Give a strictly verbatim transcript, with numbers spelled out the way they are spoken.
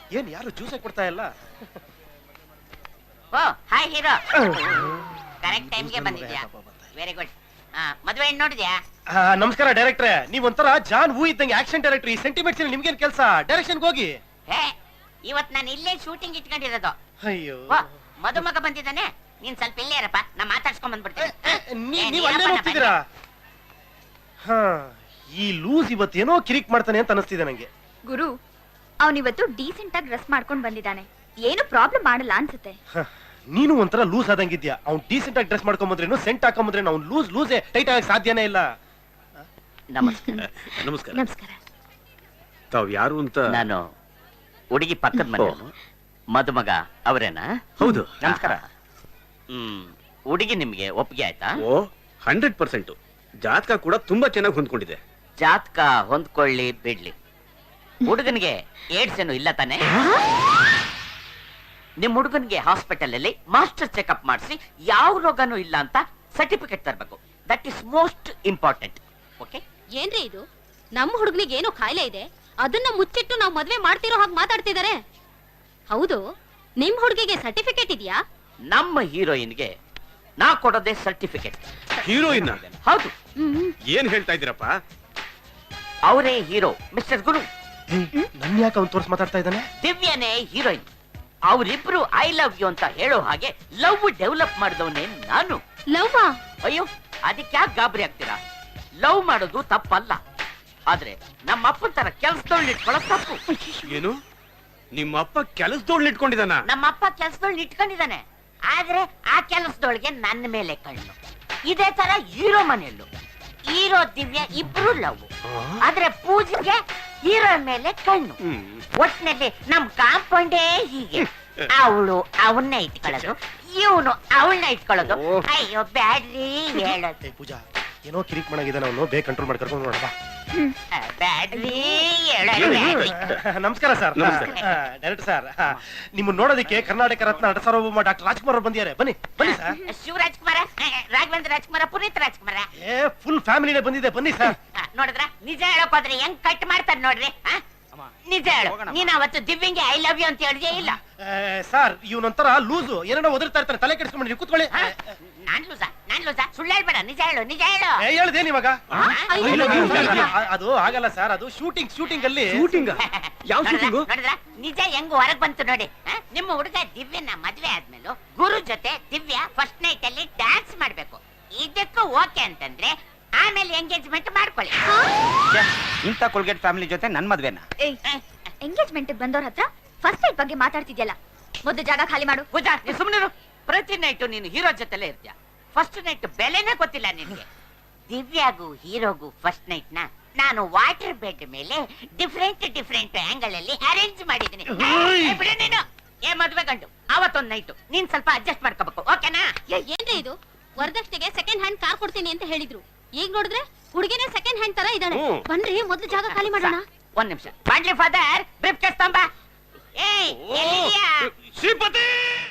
ಏನ್ ಯಾರು ಜ್ಯೂಸೇ ಕೊಡ್ತಾ ಇಲ್ಲ? ಓ ಹಾಯ್ ಹೀರೋ, ಕರೆಕ್ಟ್ ಟೈಮ್ಗೆ ಬಂದಿದ್ಯಾ, ವೆರಿ ಗುಡ್. ಮದುವೆ ಹೆಣ್ಣು ನೋಡಿದ್ಯಾ? ನಮಸ್ಕಾರ ಡೈರೆಕ್ಟ್ರೆ, ನೀವ್ ಒಂಥರ ಜಾನ್ ವೂ ಇದ್ದಂಗೆ ಆಕ್ಷನ್ ಡೈರೆಕ್ಟರ್. ಈ ಸೆಂಟಿಮೆಂಟ್ಸ್ ನಿಮ್ಗೇನ್ ಕೆಲಸ? ಡೈರೆಕ್ಷನ್ ಹೋಗಿ. ಹೇ, ಇವತ್ ನಾನು ಇಲ್ಲೇ ಶೂಟಿಂಗ್ ಇಟ್ಕೊಂಡಿರೋದು. ಅಯ್ಯೋ, ಮದುಮಗ ಬಂದಿದ್ದಾನೆ, ನೀನ್ ಸ್ವಲ್ಪ ಇಲ್ಲೇ ಇರಪ್ಪ, ನಾ ಮಾತಾಡ್ಸ್ಕೊಂಡ್ ಬಂದ್ಬಿಡ್ತೀನಿ. ನೀವ್ ಅಲ್ಲೇ ಹೋಗ್ತಿದ್ದೀರಾ? ಹಾ, ಈ ಲೂಸ್ ಇವತ್ತೇನೋ ಕಿರಿಕ್ ಮಾಡ್ತಾನೆ ಅಂತ ಅನಿಸ್ತಿದೆ ನಂಗೆ. ಗುರು, ಅವನಿವತ್ತು ಡೀಸೆಂಟ್ ಆಗಿ ಡ್ರೆಸ್ ಮಾಡ್ಕೊಂಡ್ ಬಂದಿದ್ದಾನೆ, ಏನು ಪ್ರಾಬ್ಲಮ್ ಮಾಡಲ್ಲ ಅನ್ಸುತ್ತೆ. ನೀನು ಒಂಥರ ಲೂಸ್ ಆದಂಗಿದ್ಯಾ. ಅವ್ನು ಡೀಸೆಂಟ್ ಆಗಿ ಡ್ರೆಸ್ ಮಾಡ್ಕೊಂಬಂದ್ರೇನು, ಸೆಂಟ್ ಹಾಕೊಂಬಂದ್ರೇನು, ಅವ್ನು ಲೂಸ್ ಲೂಸೇ, ಟೈಟ್ ಆಗಕ್ಕೆ ಸಾಧ್ಯನೇ ಇಲ್ಲ. ನಮಸ್ಕಾರ. ನಮಸ್ಕಾರ. ನಮಸ್ಕಾರ. ತಾವ್ ಯಾರು ಅಂತ? ನಾನು ಹುಡುಗಿ ಪಕ್ಕದ ಮನೆಯವನು, ಮದುಮಗ ಅವರೇನಾ? ಹೌದು. ನಮಸ್ಕಾರ. ಹ್ಮ್, ಹುಡುಗಿ ನಿಮ್ಗೆ ಒಪ್ಪಿಗೆ ಆಯ್ತಾ? ಓ, ಹಂಡ್ರೆಡ್ ಪರ್ಸೆಂಟ್. ಜಾತಕ ಕೂಡ ತುಂಬಾ ಚೆನ್ನಾಗಿ ಹೊಂದ್ಕೊಂಡಿದೆ. ಜಾತಕ ಹೊಂದ್ಕೊಳ್ಳಿ ಬಿಡ್ಲಿ, ಹುಡುಗನಿಗೆ ಏಡ್ಸ್ ಏನು ಇಲ್ಲ ತಾನೆ? ನಿಮ್ ಹುಡುಗನಿಗೆ ಹಾಸ್ಪಿಟಲ್ ಅಲ್ಲಿ ಮಾಸ್ಟರ್ ಚೆಕ್ಅಪ್ ಮಾಡಿಸಿ ಯಾವ ರೋಗನೂ ಇಲ್ಲ ಅಂತ ಸರ್ಟಿಫಿಕೇಟ್ ತರಬೇಕು. That is most important. Okay? ಏನ್ರಿ ಇದು? ನಮ್ಮ ಹುಡುಗನಿಗೆ ಏನೋ ಕಾಯಿಲೆ ಇದೆ, ಅದನ್ನ ಮುಚ್ಚಿಟ್ಟು ನಾವು ಮದ್ವೆ ಮಾಡ್ತಿರೋ ಹಾಗೆ ಮಾತಾಡ್ತಿದ್ದಾರೆ. ಹೌದು, ನಿಮ್ ಹುಡುಗಿಗೆ ಸರ್ಟಿಫಿಕೇಟ್ ಇದೆಯಾ? ನಮ್ಮ ಹೀರೋಯಿನ್ಗೆ ನಾ ಕೊಡೋದೇ ಸರ್ಟಿಫಿಕೇಟ್. ಹೀರೋಯಿನ್? ಹೌದು. ಏನ್ ಹೇಳ್ತಾ ಇದ್ದೀರಪ್ಪ? ಅವರೇ ಹೀರೋ, ಮಿಸ್ಟರ್ ಗುರು. ನನ್ ಯಾಕೆ ಅವ್ನು ತೋರ್ಸ್ ಮಾತಾಡ್ತಾ ಇದ್ದಾನೆ? ದಿವ್ಯನೇ ಹೀರೋಯಿನ್. ಅವರಿಬ್ರು ಐ ಲವ್ ಯು ಅಂತ ಹೇಳೋ ಹಾಗೆ ಲವ್ ಡೆವಲಪ್ ಮಾಡಿದವನೇ ನಾನು. ಲವ್? ಅಯ್ಯೋ, ಅದಕ್ಕೆ ಯಾಕೆ ಗಾಬರಿ ಆಗ್ತೀರಾ? ಲವ್ ಮಾಡೋದು ತಪ್ಪಲ್ಲ, ಆದ್ರೆ ನಮ್ಮ ಅಪ್ಪನ ತರ ಕೆಲ್ಸದೊಳ್ ಇಟ್ಕೊಳ್ಳೋ ತಪ್ಪು. ಏನು, ನಿಮ್ಮ ಅಪ್ಪ ಕೆಲಸದೋಳ್ ಇಟ್ಕೊಂಡಿದಾನ? ನಮ್ಮ ಅಪ್ಪ ಕೆಲ್ಸದೊಳ್ ಇಟ್ಕೊಂಡಿದ್ದಾನೆ, ಆದ್ರೆ ಆ ಕೆಲಸದೊಳಗೆ ನನ್ನ ಮೇಲೆ ಕಣ್ಣು. ಇದೇ ತರ ಹೀರೋ ಮನೆಯಲ್ಲೂ ಹೀರೋ ದಿವ್ಯ ಇಬ್ರು ಲವ್, ಆದ್ರೆ ಪೂಜೆಗೆ ಹೀರೋ ಮೇಲೆ ಕಣ್ಣು. ಒಟ್ಟಿನಲ್ಲಿ ನಮ್ ಕಾಂಪೌಂಡೇ ಹೀಗೆ. ಅವಳು ಅವನ್ನ ಇಟ್ಕೊಳ್ಳೋದು, ಇವನು ಅವಳನ್ನ ಇಟ್ಕೊಳ್ಳೋದು. ಅಯ್ಯೋ ಬ್ಯಾಡ್ರಿ ಹೇಳೋದು. ಪೂಜಾ, ಏನೋ ಕಿರಿಕ್ ಮಾಡಾಗಿದ್ದಾನೆ ಅವನು, ಬೇಗ ಕಂಟ್ರೋಲ್ ಮಾಡಿ ಕರ್ಕೊಂಡು ನೋಡಪ್ಪ. ಬ್ಯಾಡ್ರಿ ಹೇಳೋದು. ನಮಸ್ಕಾರ ಸರ್. ಡೈರೆಕ್ಟರ್ ಸರ್, ನಿಮ್ಮನ್ನ ನೋಡೋದಕ್ಕೆ ಕರ್ನಾಟಕ ರತ್ನ ನಟ ಸಾರ್ವಭೌಮ ಡಾಕ್ಟರ್ ರಾಜ್ಕುಮಾರ್ ಅವರು ಬಂದಿದ್ದಾರೆ. ಬನ್ನಿ ಬನ್ನಿ ಸರ್. ಶಿವರಾಜ್ಕುಮಾರ, ರಾಘವೇಂದ್ರ ರಾಜ್ಕುಮಾರ, ಪುನೀತ್ ರಾಜ್ಕುಮಾರ, ಏ ಫುಲ್ ಫ್ಯಾಮಿಲಿನೇ ಬಂದಿದೆ. ಬನ್ನಿ ಸರ್. ನೋಡಿದ್ರ ನಿಜ ಹೇಳೋಕೋದ್ರೆ ಹೆಂಗ್ ಕಟ್ ಮಾಡ್ತಾರ ನೋಡ್ರಿ. ನಿಜ ಹೇಳು, ನೀನ್ ಅವತ್ತು ದಿವ್ಯಂಗೆ ಐ ಲವ್ ಯು ಅಂತ ಹೇಳಿದೆ ಇಲ್ಲ? ಸರ್, ಇವನೊಂಥರ ಲೂಸು, ಏನೇನೋ ಒದರ್ತಾ ಇರ್ತಾನೆ, ತಲೆ ಕೆಡಿಸ್ಕೊಂಡು ನೀವು ಕೂತ್ಕೊಳ್ಳಿ. ನಾನ್ ಲೂಸ ನಾನ್ ಲೂಸ ಸುಳ್ಳು ಹೇಳ್ಬೇಡ, ನಿಜ ಹೇಳು ನಿಜ ಹೇಳು. ಹೇಳ್ದೇನ್ ಇವಾಗ? ಅದು ಆಗಲ್ಲ ಸರ್, ಅದು ಶೂಟಿಂಗ್ ಶೂಟಿಂಗ್ ಅಲ್ಲಿ. ಶೂಟಿಂಗ್? ಯಾವ ಶೂಟಿಂಗು? ನೋಡಿದ್ರ ನಿಜ ಹೆಂಗ್ ಹೊರಗ್ ಬಂತು ನೋಡಿ. ನಿಮ್ಮ ಹುಡುಗ ದಿವ್ಯನ ಮದ್ವೆ ಆದ್ಮೇಲೂ ಗುರು ಜೊತೆ ದಿವ್ಯ ಫಸ್ಟ್ ನೈಟ್ ಅಲ್ಲಿ ಡ್ಯಾನ್ಸ್ ಮಾಡ್ಬೇಕು. ಇದಕ್ಕೂ ಓಕೆ ಅಂತಂದ್ರೆ ಆಮೇಲೆ ಎಂಗೇಜ್ಮೆಂಟ್ ಮಾಡ್ಕೊಳ್ಳಿ. ಇಂಥ ಕೊಲ್ಗೇಟ್ ಫ್ಯಾಮಿಲಿ ಜೊತೆ ನನ್ ಮದ್ವೆನ? ಎಂಗೇಜ್ಮೆಂಟ್ ಬಂದವ್ರ ಹತ್ರ ಫಸ್ಟ್ ನೈಟ್ ಬಗ್ಗೆ ಮಾತಾಡ್ತಿದ್ಯಲ್ಲ, ಮೊದಲು ಜಾಗ ಖಾಲಿ ಮಾಡು. ಪೂಜಾ, ನೀ ಸುಮ್ಮನಿರು. ಪ್ರತಿ ನೈಟ್ ನೀನು ಹೀರೋ ಜೊತೆಲೇ ಇರ್ತೀಯ, ಫಸ್ಟ್ ನೈಟ್ ಬೆಲೆನೇ ಗೊತ್ತಿಲ್ಲ ನಿನ್ಗೆ. ದಿವ್ಯಾಗೂ ಹೀರೋಗೂ ಫಸ್ಟ್ ನೈಟ್ ನ ನಾನು ವಾಟರ್ ಬೆಡ್ ಮೇಲೆ ಡಿಫ್ರೆಂಟ್ ಡಿಫ್ರೆಂಟ್ ಆಂಗಲ್ ಅಲ್ಲಿ ಅರೇಂಜ್ ಮಾಡಿದ್ದೀನಿ. ಬಿಡು ನೀನು. ಏ ಮದ್ವೆ ಗಂಡು, ಅವತ್ತೊಂದ್ ನೈಟ್ ನೀನ್ ಸ್ವಲ್ಪ ಅಡ್ಜಸ್ಟ್ ಮಾಡ್ಕೋಬೇಕು, ಓಕೆನಾ? ಏನ್ರಿ ಇದು? ವರದಕ್ಷಿಣೆಗೆ ಸೆಕೆಂಡ್ ಹ್ಯಾಂಡ್ ಕಾರ್ ಕೊಡ್ತೀನಿ ಅಂತ ಹೇಳಿದ್ರು, ಈಗ ನೋಡಿದ್ರೆ ಹುಡುಗಿನೇ ಸೆಕೆಂಡ್ ಹ್ಯಾಂಡ್ ತರ ಇದ್ದಾಳೆ. ಬನ್ರಿ ಮೊದಲು ಜಾಗ ಖಾಲಿ ಮಾಡೋಣ. ಒಂದ್ ನಿಮಿಷ. ಮಾಡ್ಲಿ ಫಾದರ್, ಬ್ರೀಫ್ ಕೇಸ್ ತಂಬ. ಏಯ್, ಎಲ್ಲಿದ್ಯಾ? ಶ್ರೀಪತಿ!